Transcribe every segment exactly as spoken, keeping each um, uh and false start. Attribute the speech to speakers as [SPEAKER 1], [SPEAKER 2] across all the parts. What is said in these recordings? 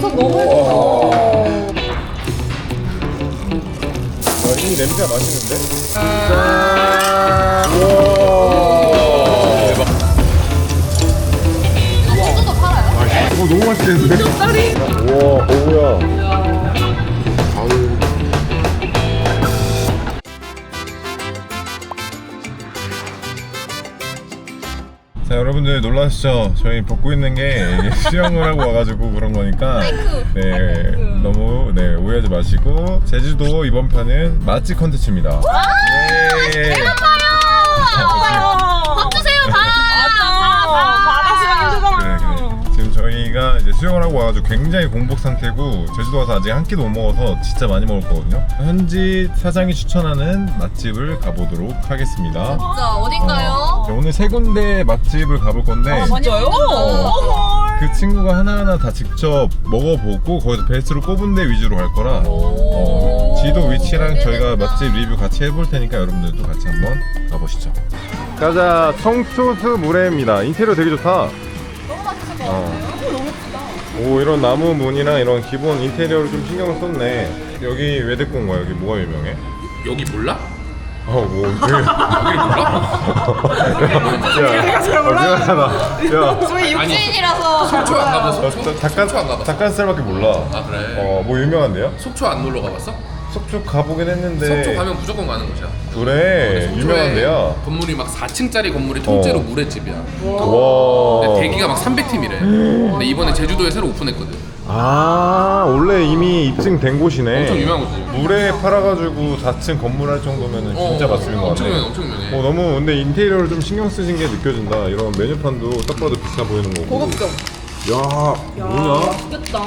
[SPEAKER 1] 장석 너무 예쁘다.
[SPEAKER 2] 이 냄새가 맛있는데? 짠!
[SPEAKER 1] 우와. 대박. 소주도 팔아요?
[SPEAKER 2] 이거 너무 맛있겠는데?
[SPEAKER 1] 족다리?
[SPEAKER 2] 우와, 오우야. 아유. 자, 여러분들 놀라시죠? 저희 벗고 있는 게 이게 수영을 하고 와가지고 그런 거니까 네, 너무 네, 오해하지 마시고 제주도 이번 편은 맛집 컨텐츠입니다. 예.
[SPEAKER 1] 밥 주세요, 밥!
[SPEAKER 3] 바다 수영 힘들잖아.
[SPEAKER 2] 그래, 그래. 지금 저희가 이제 수영을 하고 와가지고 굉장히 공복 상태고 제주도 가서 아직 한 끼도 못 먹어서 진짜 많이 먹을 거거든요. 현지 사장이 추천하는 맛집을 가보도록 하겠습니다.
[SPEAKER 1] 진짜 어딘가요?
[SPEAKER 2] 네, 오늘 세 군데 맛집을 가볼 건데
[SPEAKER 3] 진짜요?
[SPEAKER 2] 그 친구가 하나하나 다 직접 먹어보고 거기서 베스트로 꼽은 데 위주로 갈 거라 어, 지도 위치랑 저희가 맛집 리뷰 같이 해볼 테니까 여러분들도 같이 한번 가보시죠. 가자. 청초수 물회입니다. 인테리어 되게 좋다.
[SPEAKER 1] 너무 맛있을 것 같아요.
[SPEAKER 2] 어. 오, 이런 나무 문이랑 이런 기본 인테리어를 좀 신경을 썼네. 여기 왜 데리고 온 거야? 여기 뭐가 유명해?
[SPEAKER 4] 여기 몰라?
[SPEAKER 2] 어, 뭐 되게
[SPEAKER 4] 여기를 몰라?
[SPEAKER 2] 야, 어, 미안하다. 야,
[SPEAKER 1] 저희
[SPEAKER 4] 아니,
[SPEAKER 1] 육지인이라서 잘
[SPEAKER 4] 속초 안
[SPEAKER 1] 몰라요.
[SPEAKER 4] 가봤어?
[SPEAKER 2] 어,
[SPEAKER 4] 속초?
[SPEAKER 2] 잠깐
[SPEAKER 4] 속초 안 가봤어?
[SPEAKER 2] 닭가슴살밖에 몰라.
[SPEAKER 4] 아 그래?
[SPEAKER 2] 어, 뭐 유명한데요?
[SPEAKER 4] 속초 안 놀러 가봤어?
[SPEAKER 2] 속초 가보긴 했는데.
[SPEAKER 4] 속초 가면 무조건 가는 곳이야.
[SPEAKER 2] 그래,
[SPEAKER 4] 속초에
[SPEAKER 2] 유명한데요.
[SPEAKER 4] 건물이 막 사 층짜리 건물이 통째로
[SPEAKER 2] 어.
[SPEAKER 4] 물회집이야.
[SPEAKER 2] 와.
[SPEAKER 4] 근데 대기가 막 삼백 팀이래. 근데 이번에 제주도에 새로 오픈했거든.
[SPEAKER 2] 아, 원래 이미 입증된 곳이네.
[SPEAKER 4] 엄청 유명한 곳이지.
[SPEAKER 2] 물에 팔아가지고 사 층 건물 할 정도면 진짜
[SPEAKER 4] 어,
[SPEAKER 2] 맛집인 것
[SPEAKER 4] 엄청
[SPEAKER 2] 같네.
[SPEAKER 4] 유명해, 엄청 유명해.
[SPEAKER 2] 어, 너무 근데 인테리어를 좀 신경 쓰신 게 느껴진다. 이런 메뉴판도 딱 봐도 비싸 보이는 거고.
[SPEAKER 3] 고급져.
[SPEAKER 2] 야, 뭐냐?
[SPEAKER 3] 맛있겠다.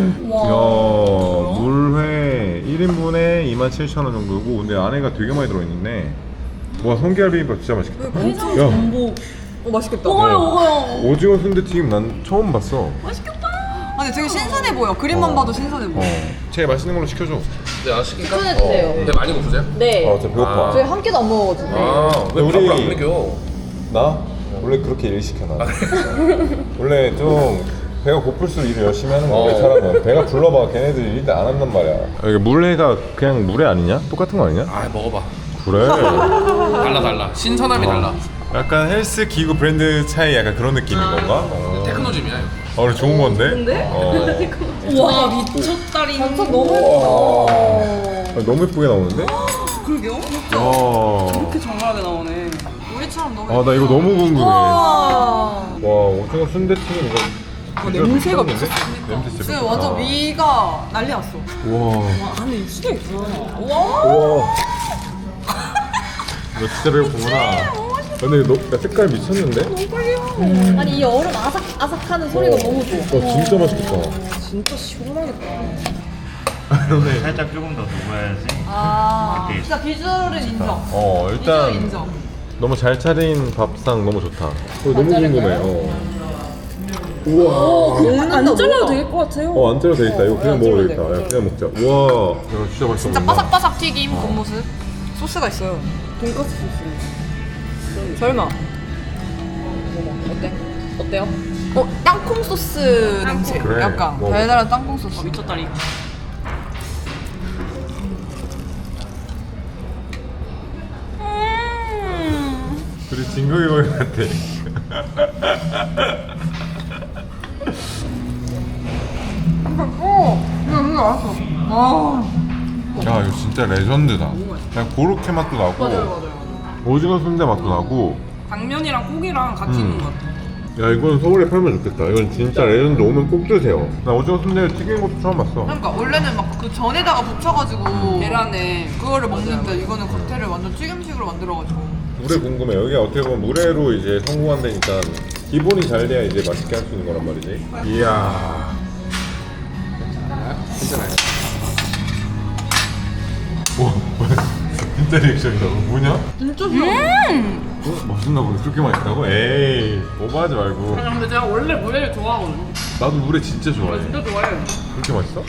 [SPEAKER 2] 야, 물회 일 인분에 이만 칠천 원 정도고 근데 안에가 되게 많이 들어있네. 와, 성게알 비빔밥 진짜 맛있겠다. 야,
[SPEAKER 3] 전복. 어 맛있겠다.
[SPEAKER 1] 먹어요, 먹어요.
[SPEAKER 2] 오징어 순대튀김 난 처음 봤어.
[SPEAKER 3] 아니 되게 신선해 보여. 그림만
[SPEAKER 2] 어.
[SPEAKER 3] 봐도 신선해 보여.
[SPEAKER 2] 어, 제일 맛있는 걸로 시켜줘.
[SPEAKER 4] 네, 나 시킬까?
[SPEAKER 1] 추천해주세요.
[SPEAKER 4] 근데 많이 고프세요?
[SPEAKER 1] 네.
[SPEAKER 2] 아, 진짜 배고파.
[SPEAKER 1] 저희 한 끼도 안 먹어가지고.
[SPEAKER 4] 아, 왜
[SPEAKER 2] 우리-
[SPEAKER 4] 밥을 안 먹여?
[SPEAKER 2] 나? 원래 그렇게 일 시켜 나. 원래 좀 배가 고플수록 일을 열심히 하는 거야.
[SPEAKER 4] 어.
[SPEAKER 2] 사람은 배가 불러봐. 걔네들이 일도 안 한단 말이야. 여기 물회가 그냥 물회 아니냐? 똑같은 거 아니냐?
[SPEAKER 4] 아, 먹어봐.
[SPEAKER 2] 그래.
[SPEAKER 4] 달라 달라. 신선함이 달라.
[SPEAKER 2] 약간 헬스 기구 브랜드 차이 약간 그런 느낌인 건가? 어,
[SPEAKER 4] 테크노짐이야. 이거.
[SPEAKER 2] 어, 그래, 좋은 건데?
[SPEAKER 3] 좋은데?
[SPEAKER 2] 어.
[SPEAKER 3] 와 미쳤다리.
[SPEAKER 1] 장석 너무 예쁘다.
[SPEAKER 2] 아, 너무 예쁘게 나오는데?
[SPEAKER 3] 그러게요.
[SPEAKER 2] 야.
[SPEAKER 3] 이렇게 정갈하게 나오네. 우리처럼 너무.
[SPEAKER 2] 아, 나 이거 너무 궁금해. 와,
[SPEAKER 3] 와.
[SPEAKER 2] 오징어 순대튀김 이거.
[SPEAKER 3] 어, 냄새가
[SPEAKER 2] 미쳤는데?
[SPEAKER 3] 미쳤어.
[SPEAKER 2] 냄새 진짜
[SPEAKER 3] 지금 완전
[SPEAKER 2] 미쳤다.
[SPEAKER 3] 위가 난리 났어.
[SPEAKER 2] 와.
[SPEAKER 3] 안에 육수가 있어.
[SPEAKER 2] 우와. 너 진짜 배고프구나. 근데 너 야, 색깔 미쳤는데?
[SPEAKER 1] 아니 이 얼음 아삭 아삭하는 소리가 너무 좋아.
[SPEAKER 2] 와, 진짜 맛있겠다.
[SPEAKER 3] 진짜 시원하겠다.
[SPEAKER 2] 그러네.
[SPEAKER 5] 살짝 조금 더 녹아야지.
[SPEAKER 3] 아,
[SPEAKER 5] 오케이.
[SPEAKER 3] 진짜 비주얼은 인정.
[SPEAKER 2] 어, 일단
[SPEAKER 3] 비주얼 인정.
[SPEAKER 2] 너무 잘 차린 밥상 너무 좋다. 어, 너무 궁금해. 어. 우와.
[SPEAKER 3] 안 잘라도 될 것 같아요.
[SPEAKER 2] 어, 안 잘라도 되겠다. 이거 그냥
[SPEAKER 3] 어,
[SPEAKER 2] 먹어도
[SPEAKER 3] 잘라도
[SPEAKER 2] 되겠다. 야, 그냥 먹자. 우와. 야, 진짜 맛있어
[SPEAKER 3] 진짜
[SPEAKER 2] 보인다.
[SPEAKER 3] 바삭바삭 튀김 겉모습. 소스가 있어요. 돈까스 소스. 설마. 어때? 어때요? 어, 땅콩 소스 냄새.
[SPEAKER 2] 그래.
[SPEAKER 3] 약간
[SPEAKER 2] 먹어.
[SPEAKER 3] 달달한 땅콩 소스. 미쳤다리.
[SPEAKER 2] 둘이 진격의 거인 같아.
[SPEAKER 3] 어, 이거 이거 알았어. 아,
[SPEAKER 2] 야, 이거 진짜 레전드다. 그냥 고로케 맛도 나고,
[SPEAKER 3] 맞아요, 맞아요.
[SPEAKER 2] 오징어 순대 맛도 나고.
[SPEAKER 3] 당면이랑 고기랑 같이
[SPEAKER 2] 음.
[SPEAKER 3] 있는 것 같아.
[SPEAKER 2] 야, 이건 서울에 팔면 좋겠다. 이건 진짜 레전드. 오면 꼭 드세요. 나 오징어 순대 튀긴 것도 처음 봤어.
[SPEAKER 3] 그러니까 원래는 막 그 전에다가 붙여가지고 계란에 그거를 먹는데 이거는 겉에를 완전 튀김식으로 만들어가지고.
[SPEAKER 2] 물회 궁금해. 여기가 어떻게 보면 물회로 이제 성공한다니까 기본이 잘 돼야 이제 맛있게 할 수 있는 거란 말이지. 이야.
[SPEAKER 4] 괜찮아요.
[SPEAKER 2] 와, 진짜 리액션이다. 뭐냐?
[SPEAKER 3] 진짜 좋아.
[SPEAKER 2] 어? 맛있나 보네. 그렇게 맛있다고? 에이, 오버하지 말고.
[SPEAKER 3] 근데 제가 원래 물회를 좋아하거든요.
[SPEAKER 2] 나도 물회 진짜 좋아해.
[SPEAKER 3] 진짜 좋아해요.
[SPEAKER 2] 그렇게 맛있어?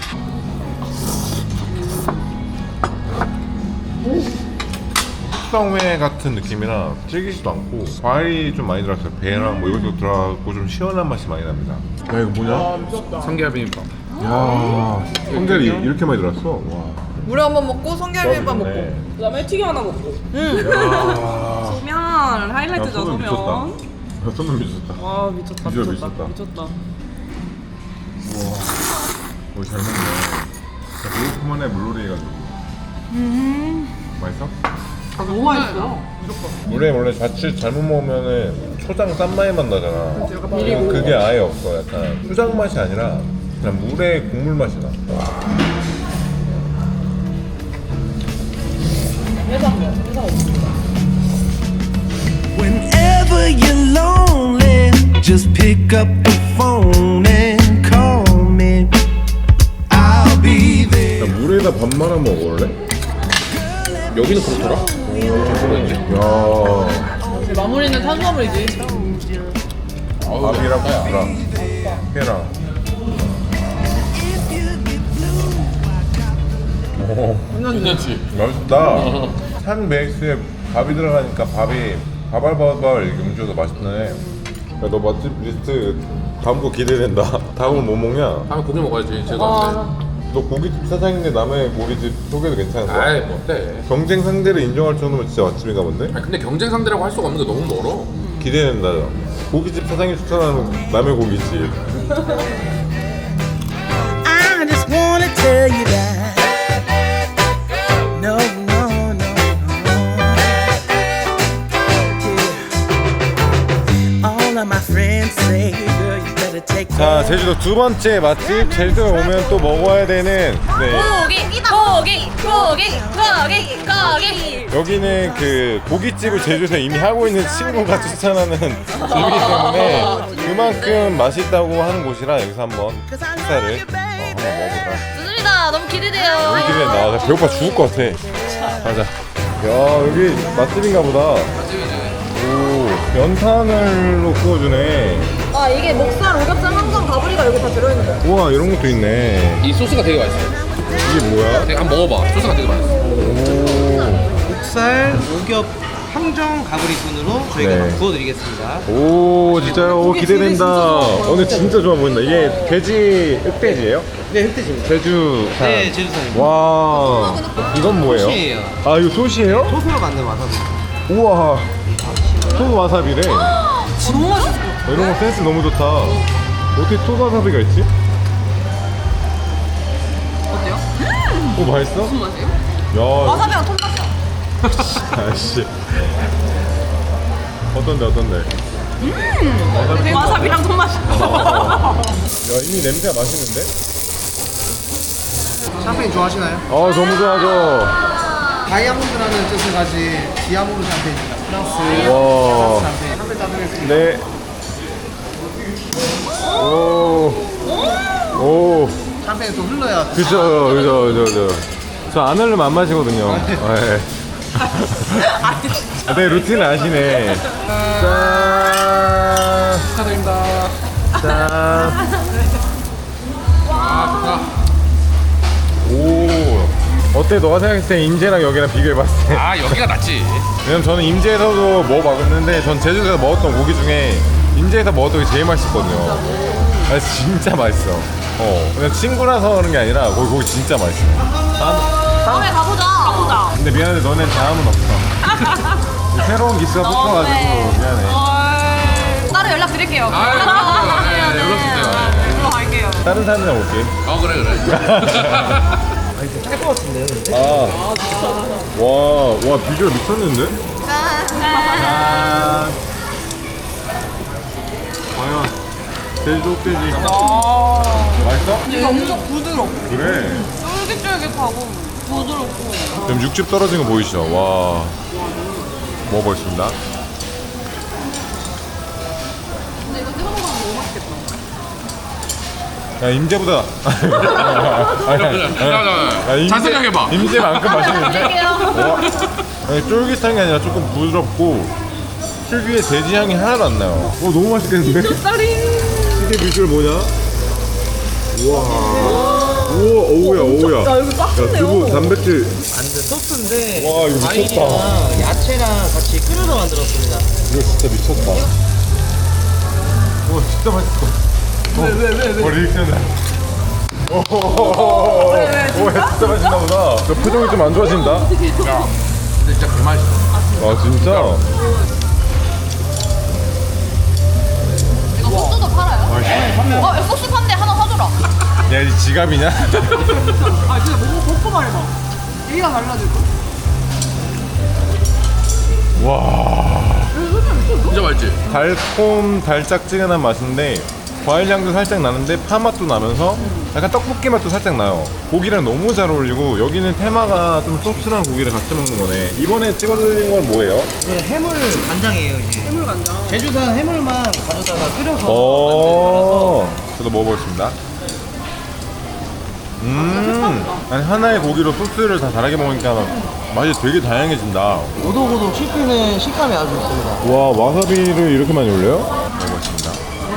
[SPEAKER 2] 숙성회 같은 느낌이라 질기지도 않고 과일이 좀 많이 들어갔어요. 배랑 뭐 이것도 들어가고 좀 시원한 맛이 많이 납니다. 야, 이거 뭐냐?
[SPEAKER 4] 성게알 비빔밥.
[SPEAKER 2] 야, 성게리 이렇게 많이 들었어. 와.
[SPEAKER 3] 물에 한번 먹고 성게비빔밥 먹고.
[SPEAKER 2] 네.
[SPEAKER 5] 그다음에 튀김 하나 먹고.
[SPEAKER 2] 야.
[SPEAKER 5] 소면
[SPEAKER 2] 야,
[SPEAKER 5] 하이라이트죠
[SPEAKER 2] 소면
[SPEAKER 5] 소면.
[SPEAKER 2] 미쳤다. 야, 소면 미쳤다.
[SPEAKER 5] 와 미쳤다
[SPEAKER 2] 비주얼
[SPEAKER 5] 미쳤다
[SPEAKER 2] 미쳤다.
[SPEAKER 5] 미쳤다.
[SPEAKER 2] 우와. 오, 잘 먹네. 매콤한에 물놀이 해가지고. 맛있어?
[SPEAKER 3] 너무 맛있어.
[SPEAKER 2] 물에 원래 자칫 잘못 먹으면은 초장 싼 맛이 맛 나잖아.
[SPEAKER 3] 비리고.
[SPEAKER 2] 그게 아예 없어. 약간 초장 맛이 아니라 그냥 물에 국물 맛이 나.
[SPEAKER 6] Whenever you're lonely, just pick up the phone and call me. I'll be there.
[SPEAKER 2] 야, 물에다 밥 말아 먹을래?
[SPEAKER 4] 여기는 그렇더라.
[SPEAKER 2] 야,
[SPEAKER 1] 마무리는 탄수화물이지.
[SPEAKER 2] 밥이랑 국이랑 회랑. 오,
[SPEAKER 4] 괜찮지?
[SPEAKER 2] 맛있다. 산 베이스에 밥이 들어가니까 밥이 바발바발 이렇게 움직여서 맛있네. 야, 너 맛집 리스트 다음 거 기대된다. 다음은 뭐 먹냐?
[SPEAKER 4] 다음에 고기 먹어야지. 제가.
[SPEAKER 2] 너 고깃집 사장인데 남의 고깃집 소개도 괜찮은 거야?
[SPEAKER 4] 아이 뭐 어때?
[SPEAKER 2] 경쟁 상대를 인정할 정도면 진짜 맛집인가 본데?
[SPEAKER 4] 아니 근데 경쟁 상대라고 할 수가 없는 게 너무 멀어.
[SPEAKER 2] 기대된다. 고깃집 사장이 추천하는 남의 고깃집.
[SPEAKER 6] I just wanna tell you that. No, no, no, no. Yeah. All of my friends say, girl, you better take
[SPEAKER 2] 자, 제주도 두 번째 맛집. 제주도에 오면 또 먹어야 되는 네.
[SPEAKER 1] 고기, 고기, 고기, 고기, 고기.
[SPEAKER 2] 여기는 그 고깃집을 제주도에 이미 하고 있는 친구가 추천하는 집이기 때문에 그만큼 맛있다고 하는 곳이라 여기서 한번 식사를 어, 한번 먹어보자.
[SPEAKER 1] 좋습니다. 너무 기대돼요.
[SPEAKER 2] 여기 기대된다. 나 배고파 죽을 것 같아. 가자. 야, 여기 맛집인가 보다. 오, 연탄을로 구워주네.
[SPEAKER 1] 아 이게 목살, 오겹살, 항상 가브리가 여기 다 들어있는 거야.
[SPEAKER 2] 우와, 이런 것도 있네.
[SPEAKER 4] 이 소스가 되게 맛있어.
[SPEAKER 2] 이게 뭐야?
[SPEAKER 4] 내가 한번 먹어봐. 소스가 되게 맛있어.
[SPEAKER 2] 오,
[SPEAKER 7] 목살, 오겹, 항정 가브리꾼으로 저희가
[SPEAKER 2] 네.
[SPEAKER 7] 구워드리겠습니다.
[SPEAKER 2] 오, 진짜요? 오, 기대된다. 오늘 진짜 좋아 보인다. 이게 돼지 흑돼지예요?
[SPEAKER 7] 네, 흑돼지입니다.
[SPEAKER 2] 제주산.
[SPEAKER 7] 네, 제주산입니다.
[SPEAKER 2] 와, 이건 뭐예요?
[SPEAKER 7] 소시예요.
[SPEAKER 2] 아, 이거 소시예요?
[SPEAKER 7] 소스로 만든 와사비.
[SPEAKER 2] 우와, 토 와사비래.
[SPEAKER 3] 너무 맛있어.
[SPEAKER 2] 이런 거 센스 너무 좋다. 어떻게 토 와사비가 있지?
[SPEAKER 3] 어때요?
[SPEAKER 2] 오, 맛있어?
[SPEAKER 3] 무슨 맛이에요?
[SPEAKER 2] 야,
[SPEAKER 3] 와사비랑 톤맛이야.
[SPEAKER 2] 아씨. 어떤데, 어떤데?
[SPEAKER 3] 와사비랑 톤맛이야.
[SPEAKER 2] 야, 이미 냄새가 맛있는데?
[SPEAKER 7] 샴페인 좋아하시나요?
[SPEAKER 2] 아, 너무 좋아하죠.
[SPEAKER 7] 다이아몬드라는 뜻을 가진 디아모르 샴페인입니다. 프랑스
[SPEAKER 2] 와.
[SPEAKER 7] 샴페인. 샴페인 따드리겠습니다.
[SPEAKER 2] 네. 오. 오.
[SPEAKER 7] 샴페인 또 흘러야
[SPEAKER 2] 그죠, 그죠, 그죠, 그죠. 저 안 흘리면 안 마시거든요. 네. 아, 네, 루틴을 아시네. 짠.
[SPEAKER 4] 축하드립니다.
[SPEAKER 2] 짠.
[SPEAKER 4] 아 좋다.
[SPEAKER 2] 오. 어때? 너가 생각했을 때 임제랑 여기랑 비교해봤을 때.
[SPEAKER 4] 아 여기가 낫지.
[SPEAKER 2] 왜냐면 저는 임제에서도 먹어봤는데 전 제주도에서 먹었던 고기 중에 임제에서 먹었던 게 제일 맛있거든요. 아, 진짜 맛있어. 어. 그냥 친구라서 그런 게 아니라 거기 고기 진짜 맛있어. 다음,
[SPEAKER 1] 다음에 가보자. 가보자.
[SPEAKER 2] 근데 미안한데 너넨 다음은 없어. 새로운 기스가 뽑혀가지고 미안해.
[SPEAKER 1] 따로 연락 드릴게요.
[SPEAKER 4] 아 네, 연락 주세요.
[SPEAKER 3] 들어갈게요.
[SPEAKER 2] 다른 사람이랑 올게.
[SPEAKER 4] 어 그래 그래.
[SPEAKER 7] 짤것 같은데요, 근데?
[SPEAKER 2] 아, 와, 와 비주얼 미쳤는데? 짠. 과연 제주도 흑돼지 맛있어?
[SPEAKER 3] 이게 엄청 부드럽고
[SPEAKER 2] 그래.
[SPEAKER 3] 쫄깃쫄깃하고 부드럽고.
[SPEAKER 2] 지금 육즙 떨어진 거 보이시죠? 와, 먹어보겠습니다.
[SPEAKER 3] 근데 이거 찍어 먹으면 너무 맛있겠다.
[SPEAKER 2] 야, 임제보다. 아니, 아니, 아니,
[SPEAKER 4] 잘 생각해봐.
[SPEAKER 2] 임제만큼 맛있는데? 와, 아니, 쫄깃한 게 아니라 조금 부드럽고 특유의 돼지 향이 하나도 안 나요. 오, 너무 맛있겠는데? 이게 비주얼 뭐냐? 우와. 우와, 오우야, 오우야.
[SPEAKER 1] 야 여기
[SPEAKER 2] 야,
[SPEAKER 1] 빡세네요.
[SPEAKER 2] 두부 단백질.
[SPEAKER 7] 완전 소스인데
[SPEAKER 2] 와, 이거 미쳤다.
[SPEAKER 7] 과일이랑 야채랑 같이 끓여서 만들었습니다.
[SPEAKER 2] 이거 진짜 미쳤다. 와, 진짜 맛있어. 왜, 왜, 왜, 왜? 어, 리액션을. 오, 진짜 맛있나 보다. 저 표정이 좀 안 좋아진다.
[SPEAKER 4] 야, 근데 진짜 개맛있어.
[SPEAKER 2] 아 진짜?
[SPEAKER 1] 이거 소스도 팔아요? 어, 소스 판대 하나 사줘라.
[SPEAKER 2] 야, 이 지갑이냐?
[SPEAKER 3] 아 진짜 먹고 먹고 말해봐. 얘가 달라질까?
[SPEAKER 2] 와.
[SPEAKER 4] 진짜 맛있지?
[SPEAKER 2] 달콤 달짝지근한 맛인데 과일 향도 살짝 나는데 파 맛도 나면서 약간 떡볶이 맛도 살짝 나요. 고기랑 너무 잘 어울리고 여기는 테마가 좀 소스랑 고기를 같이 먹는 거네. 이번에 찍어드린 건 뭐예요?
[SPEAKER 7] 이거 해물 간장이에요 이게. 해물 간장. 제주산 해물만 가져다가 끓여서.
[SPEAKER 2] 오, 저도 먹어보겠습니다. 음, 아니 하나의 고기로 소스를 다 다르게 먹으니까 맛이 되게 다양해진다.
[SPEAKER 7] 오독오독 씹히는 식감이 아주 좋습니다.
[SPEAKER 2] 와, 와사비를 이렇게 많이 올려요? 먹어보겠습니다.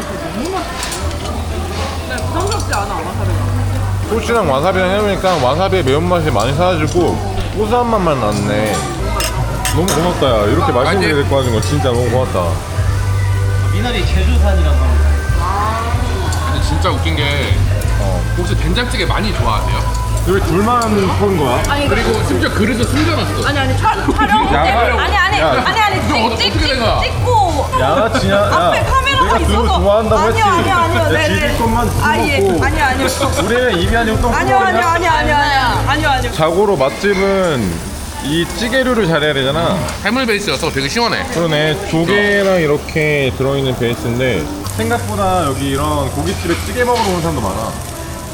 [SPEAKER 3] 부담스럽지 않아 와사비가.
[SPEAKER 2] 소스랑 와사비랑 해놓으니까 와사비의 매운맛이 많이 사라지고 고소한 맛만 났네. 너무 고맙다. 야, 이렇게 맛있는 게 데리고 와준 거 진짜 너무 고맙다.
[SPEAKER 7] 미나리 제주산이라고 합니다.
[SPEAKER 4] 근데 진짜 웃긴 게
[SPEAKER 2] 어.
[SPEAKER 4] 혹시 된장찌개 많이 좋아하세요?
[SPEAKER 2] 왜 둘만 본 거야?
[SPEAKER 4] 그리고 심지어 그릇을 숨겨놨어.
[SPEAKER 3] 아니 아니 촬 촬영 때
[SPEAKER 2] 야,
[SPEAKER 1] 아니, 아니,
[SPEAKER 2] 야.
[SPEAKER 1] 아니, 아니,
[SPEAKER 4] 이거
[SPEAKER 1] 찍,
[SPEAKER 4] 어떻게
[SPEAKER 1] 찍,
[SPEAKER 4] 된 거야?
[SPEAKER 1] 찍, 찍고.
[SPEAKER 2] 양아치냐? 야,
[SPEAKER 1] 앞에 카메라가
[SPEAKER 2] 내가 두부
[SPEAKER 1] 있어서.
[SPEAKER 2] 좋아한다고 했지.
[SPEAKER 1] 아니요, 아니요, 아니요. 네,
[SPEAKER 2] 지들
[SPEAKER 1] 네.
[SPEAKER 2] 것만
[SPEAKER 1] 아, 예.
[SPEAKER 2] 먹고.
[SPEAKER 1] 아니요, 아니요.
[SPEAKER 2] 우리는 입이 아니고 똥
[SPEAKER 1] 아니요, 아니요, 아니요, 아니요, 아니요. 아니요, 아니요.
[SPEAKER 2] 자고로 맛집은 이 찌개류를 잘해야 되잖아.
[SPEAKER 4] 해물 베이스여서 되게 시원해.
[SPEAKER 2] 그러네. 조개랑 이렇게 들어있는 베이스인데 생각보다 여기 이런 고깃집에 찌개 먹으러 오는 사람도 많아.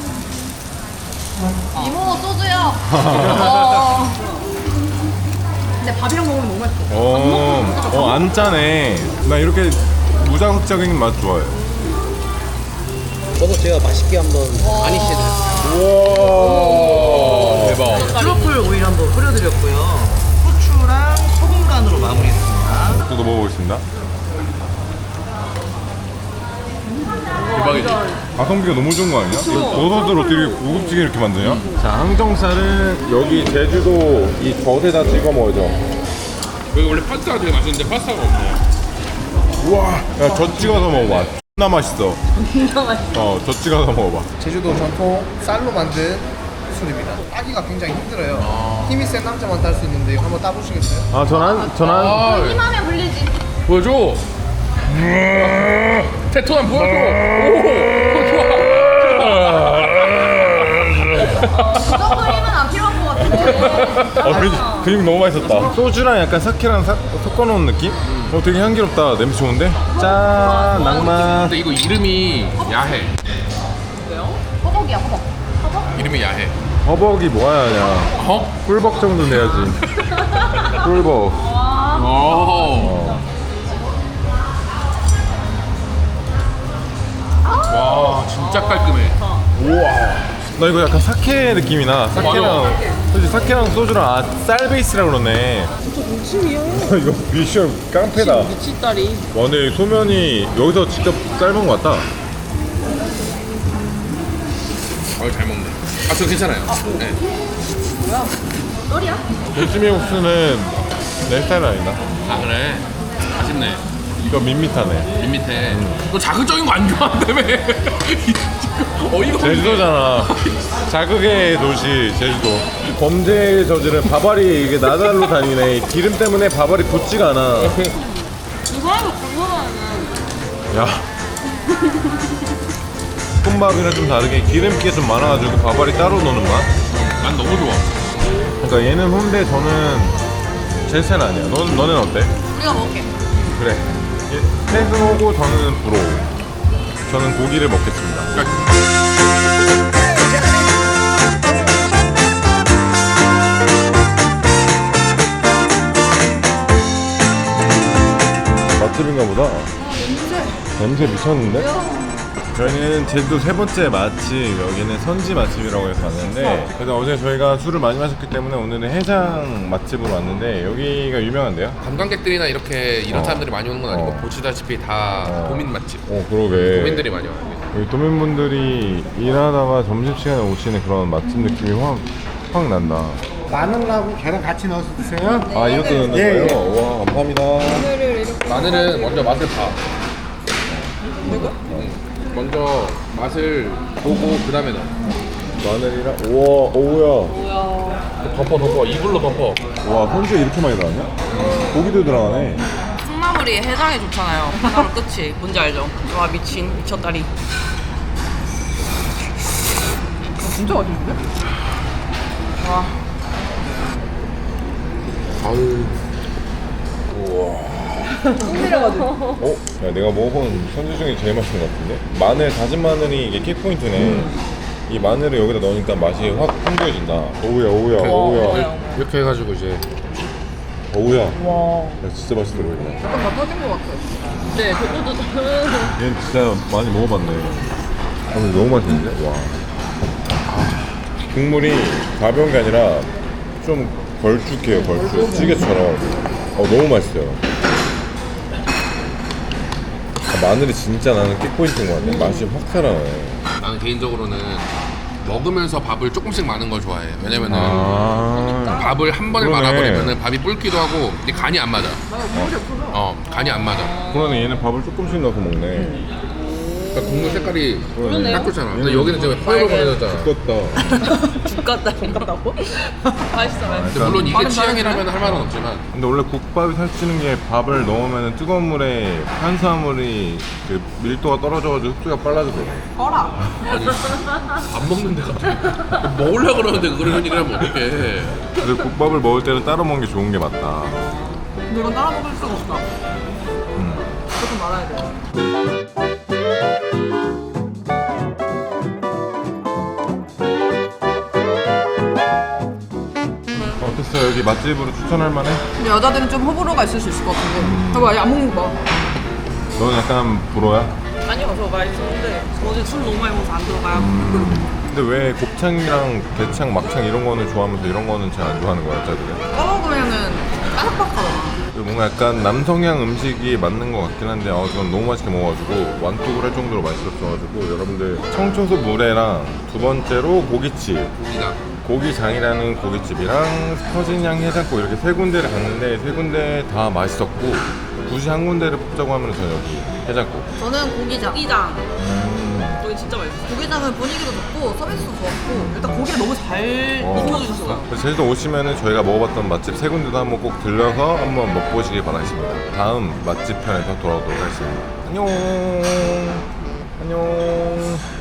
[SPEAKER 1] 이모 소주요. 어. 근데 밥이랑 먹으면 너무 맛있어.
[SPEAKER 2] 어, 어, 안 짜네. 나 이렇게 무자극적인 맛 좋아해.
[SPEAKER 7] 저도 제가 맛있게 한번 가니시해드렸어요.
[SPEAKER 2] 우와.
[SPEAKER 4] 대박.
[SPEAKER 7] 트러플 오일 한번 뿌려드렸고요. 후추랑 소금 간으로 마무리했습니다.
[SPEAKER 2] 저도 먹어보겠습니다.
[SPEAKER 4] 대박이지?
[SPEAKER 2] 가성비가 너무 좋은 거 아니야? 이거 버섯을 어떻게 고급지게 이렇게 만드냐? 자, 항정살은 여기 제주도 이 젖에다 찍어 먹어야죠.
[SPEAKER 4] 여기 원래 파스타가 되게 맛있는데 파스타가 없네.
[SPEAKER 2] 우와. 야, 젖 찍어서 먹어봐. 존나 맛있어.
[SPEAKER 1] 진짜 맛있어.
[SPEAKER 2] 어, 젖 찍어서 먹어봐.
[SPEAKER 5] 제주도 전통 쌀로 만든 술입니다. 따기가 굉장히 힘들어요. 힘이 센 남자만 딸 수 있는데 이거 한번 따보시겠어요?
[SPEAKER 2] 아, 전안, 전안.
[SPEAKER 4] 아,
[SPEAKER 1] 힘하면 불리지.
[SPEAKER 4] 보여줘. 테토남 보여줘. 오, 좋아.
[SPEAKER 1] 그 정도 힘은 안 필요한 것 같은데.
[SPEAKER 2] 어, 근육, 근육 너무 맛있었다. 소주랑 약간 사케랑 사, 섞어놓은 느낌? 어, 되게 향기롭다. 냄새 좋은데? 짠, 낭만.
[SPEAKER 4] 근데 이거 이름이 야해.
[SPEAKER 1] 허벅이야, 허벅. 허벅?
[SPEAKER 4] 이름이 야해.
[SPEAKER 2] 허벅이 뭐야, 냐
[SPEAKER 4] 어?
[SPEAKER 2] 꿀벅 정도 내야지. 꿀벅.
[SPEAKER 4] 오. 와, 진짜 깔끔해.
[SPEAKER 2] 우와. 나 이거 약간 사케 느낌이 나. 사케랑, 솔직히 사케랑 소주랑 아, 쌀 베이스라 그러네. 진짜 동치미야. 이거 미션 깡패다.
[SPEAKER 3] 미치다리.
[SPEAKER 2] 와, 근데 소면이 여기서 직접 삶은 것 같다.
[SPEAKER 4] 아, 잘 먹네. 아, 저 괜찮아요. 네.
[SPEAKER 1] 널이야?
[SPEAKER 2] 동치미 국수는 내 스타일 아니다.
[SPEAKER 4] 아, 그래. 아쉽네.
[SPEAKER 2] 이거 밋밋하네.
[SPEAKER 4] 밋밋해. 너 자극적인 거 안 좋아한다며. 어이가 없네.
[SPEAKER 2] 제주도잖아. 자극의 도시 제주도. 범죄의 저지른 바바리 이게 나달로 다니네. 기름 때문에 바바리 붙지가 않아.
[SPEAKER 3] 이 사람이 궁금하네.
[SPEAKER 2] 야. 콩밥이랑 좀 다르게 기름기가 좀 많아가지고 바바리 따로 넣는 맛?
[SPEAKER 4] 난 너무 좋아.
[SPEAKER 2] 그러니까 얘는 혼데 저는 제 스타일 아니야. 너, 너는 어때?
[SPEAKER 1] 우리가 먹을게.
[SPEAKER 2] 그래. 태그오고 저는 브로. 저는 고기를 먹겠습니다. 맛집인가 보다. 냄새 미쳤는데? 저희는 제주도 세 번째 맛집, 여기는 선지 맛집이라고 해서 왔는데, 그래서 어제 저희가 술을 많이 마셨기 때문에 오늘은 해장 맛집으로 왔는데 여기가 유명한데요?
[SPEAKER 4] 관광객들이나 이렇게 이런
[SPEAKER 2] 어.
[SPEAKER 4] 사람들이 많이 오는 건 아니고
[SPEAKER 2] 어.
[SPEAKER 4] 보시다시피 다
[SPEAKER 2] 어.
[SPEAKER 4] 도민 맛집.
[SPEAKER 2] 어, 그러게.
[SPEAKER 4] 도민들이 많이 와요.
[SPEAKER 2] 여기 도민분들이 일하다가 점심시간에 오시는 그런 맛집 느낌이 확, 확 난다.
[SPEAKER 5] 마늘하고 계란 같이 넣어서 드세요.
[SPEAKER 2] 아, 이것도 넣는
[SPEAKER 5] 예,
[SPEAKER 2] 거예요? 와, 감사합니다.
[SPEAKER 4] 마늘은 먼저 맛을 봐. 응. 먼저 맛을 보고 그 다음에 넣어.
[SPEAKER 2] 마늘이랑 우와 오우야.
[SPEAKER 4] 덮어 덮어 이불로 덮어.
[SPEAKER 2] 와 선지가 이렇게 많이 들어가냐? 고기도 들어가네.
[SPEAKER 3] 콩나물이 해장에 좋잖아요. 콩나물 끝이 뭔지 알죠? 와 미친 미쳤다리. 진짜 맛있는데? 와.
[SPEAKER 4] 아유.
[SPEAKER 2] 어? 야 내가 먹어본 선지 중에 제일 맛있는 것 같은데? 마늘, 다진 마늘이 이게 킥포인트네. 이 마늘을 여기다 넣으니까 맛이 확 풍부해진다. 오우야 오우야 오우야
[SPEAKER 4] 이렇게 해가지고 이제
[SPEAKER 2] 오우야. 야 진짜 맛있어 보인다.
[SPEAKER 3] 약간 다 터진 것 같아. 네, 저도
[SPEAKER 2] 얘는 진짜 많이 먹어봤네. 아, 근데 너무 맛있는데? 와. 아, 국물이 가벼운 게 아니라 좀 걸쭉해요, 걸쭉. 찌개처럼. 어, 너무 맛있어요. 아, 마늘이 진짜 나는 킥포인트인 것 같아. 맛이 확 살아나네.
[SPEAKER 4] 나는 개인적으로는 먹으면서 밥을 조금씩 많은 걸 좋아해. 왜냐면은
[SPEAKER 2] 아,
[SPEAKER 4] 밥을 한 번에
[SPEAKER 2] 그러네.
[SPEAKER 4] 말아버리면은 밥이 불기도 하고 근데 간이 안 맞아. 어, 간이 안 맞아.
[SPEAKER 2] 그러네. 얘는 밥을 조금씩 넣어서 먹네.
[SPEAKER 4] 그러니까 국물 색깔이
[SPEAKER 2] 그러네.
[SPEAKER 4] 딱 좋잖아. 근데 여기는 지금 허여버려졌잖아.
[SPEAKER 2] 두껍다.
[SPEAKER 3] 죽겠다 생각하고. 맛있어, 맛있어.
[SPEAKER 4] 근데 물론 이게 취향이라면 할 말은 없지만
[SPEAKER 2] 근데 원래 국밥이 살찌는 게 밥을 넣으면 뜨거운 물에 탄수화물이 그 밀도가 떨어져가지고 흡수가 빨라지거든.
[SPEAKER 3] 꺼라.
[SPEAKER 4] 아니 밥 먹는데 갑자기 먹으려고 그러는데 그런 얘기를 하면 어떡해.
[SPEAKER 2] 그래서 국밥을 먹을 때는 따로 먹는 게 좋은 게 맞다.
[SPEAKER 3] 근데 이건 따라 먹을 수가 없다.
[SPEAKER 2] 음.
[SPEAKER 3] 조금 말아야 돼.
[SPEAKER 2] 어땠어요? 여기 맛집으로 추천할 만해?
[SPEAKER 3] 근데 여자들은 좀 호불호가 있을 수 있을 것 같은데. 봐봐, 안 먹는 거 봐.
[SPEAKER 2] 너는 약간 불어야?
[SPEAKER 3] 아니요, 저 맛있었는데 어제 술 너무 많이 먹어서 안 들어가요.
[SPEAKER 2] 근데 왜 곱창이랑 대창, 막창 이런 거는 좋아하면서 이런 거는 잘 안 좋아하는 거야, 여자들은?
[SPEAKER 3] 까먹으면은 까삭박하잖아.
[SPEAKER 2] 뭔가 약간 남성향 음식이 맞는 것 같긴 한데 어, 저는 너무 맛있게 먹어가지고 완뚝을 할 정도로 맛있었어가지고 여러분들 청초소 물회랑 두 번째로 고깃집
[SPEAKER 4] 고기가
[SPEAKER 2] 고기장이라는 고깃집이랑 서진양 해장국 이렇게 세 군데를 갔는데 세 군데 다 맛있었고 굳이 한 군데를 뽑자고 하면 저는 여기 해장국.
[SPEAKER 1] 저는 고기장.
[SPEAKER 3] 고기장.
[SPEAKER 2] 음.
[SPEAKER 3] 여기 진짜 맛있어.
[SPEAKER 1] 고기장은 분위기도 좋고 서비스도 좋았고
[SPEAKER 3] 일단 고기를 너무 잘
[SPEAKER 2] 어.
[SPEAKER 3] 익혀주셨어요.
[SPEAKER 2] 그래서 제주도 오시면은 저희가 먹어봤던 맛집 세 군데도 한번 꼭 들려서 한번 먹보시길 바라겠습니다. 다음 맛집 편에서 돌아오도록 하겠습니다. 안녕. 안녕.